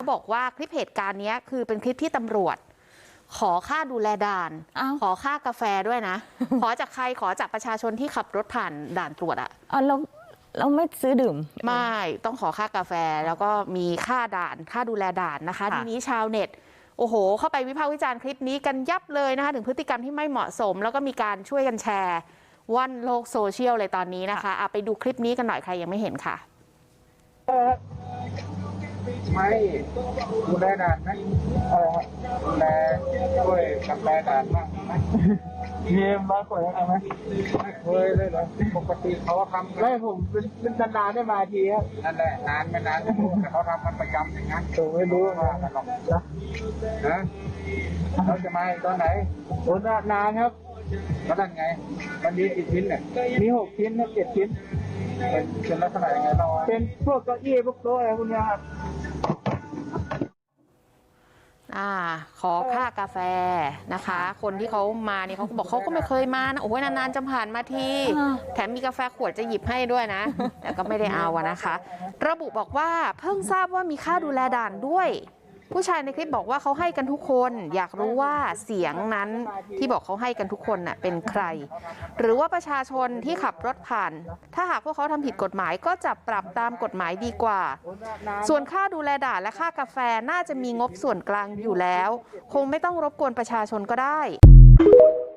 บอกว่าคลิปเหตุการณ์นี้คือเป็นคลิปที่ตำรวจขอค่าดูแลด่านขอค่ากาแฟด้วยนะ ขอจากใครขอจากประชาชนที่ขับรถผ่านด่านตรวจอะเราไม่ซื้อดื่มไม่ต้องขอค่ากาแฟแล้วก็มีค่าด่านค่าดูแลด่านนะคะทีนี้ชาวเน็ตโอ้โหเข้าไปวิพากษ์วิจารณ์คลิปนี้กันยับเลยนะคะถึงพฤติกรรมที่ไม่เหมาะสมแล้วก็มีการช่วยกันแชร์ว่อนโลกโซเชียลเลยตอนนี้นะคะไปดูคลิปนี้กันหน่อยใครยังไม่เห็นค่ะไม่ดูแลด่านไหมดูแลช่วยกับแลด่านบ้างไหมเยี่ยมมากกว่าไหมไม่เคยเลยเหรอปกติเขาทำไม่ผมเป็นนานๆได้มาทีครับนั่นแหละนานไม่นานแต่เขาทำมันประจำอย่างนั้นผมไม่รู้ว่ากันหรอกนะเราจะมาตอนไหนโอ้นานครับแล้วนั่นไงมันมีกี่ชิ้นเนี่ยมี6 ชิ้นนะ7 ชิ้นเป็นลักษณะยังไงเราเป็นพวกเก้าอี้พวกโต๊ะอะไรพวกนี้ครับขอค่ากาแฟนะคะคนที่เขามาเนี่ยเขาบอกเขาก็ไม่เคยมานะโอ้ยนานๆจะผ่านมาทีแถมมีกาแฟขวดจะหยิบให้ด้วยนะแต่ก็ไม่ได้เอานะคะระบุบอกว่าเพิ่งทราบว่ามีค่าดูแลด่านด้วยผู้ชายในคลิปบอกว่าเขาให้กันทุกคนอยากรู้ว่าเสียงนั้นที่บอกเขาให้กันทุกคนน่ะเป็นใครหรือว่าประชาชนที่ขับรถผ่านถ้าหากพวกเขาทำผิดกฎหมายก็จะปรับตามกฎหมายดีกว่าส่วนค่าดูแลด่านและค่ากาแฟน่าจะมีงบส่วนกลางอยู่แล้วคงไม่ต้องรบกวนประชาชนก็ได้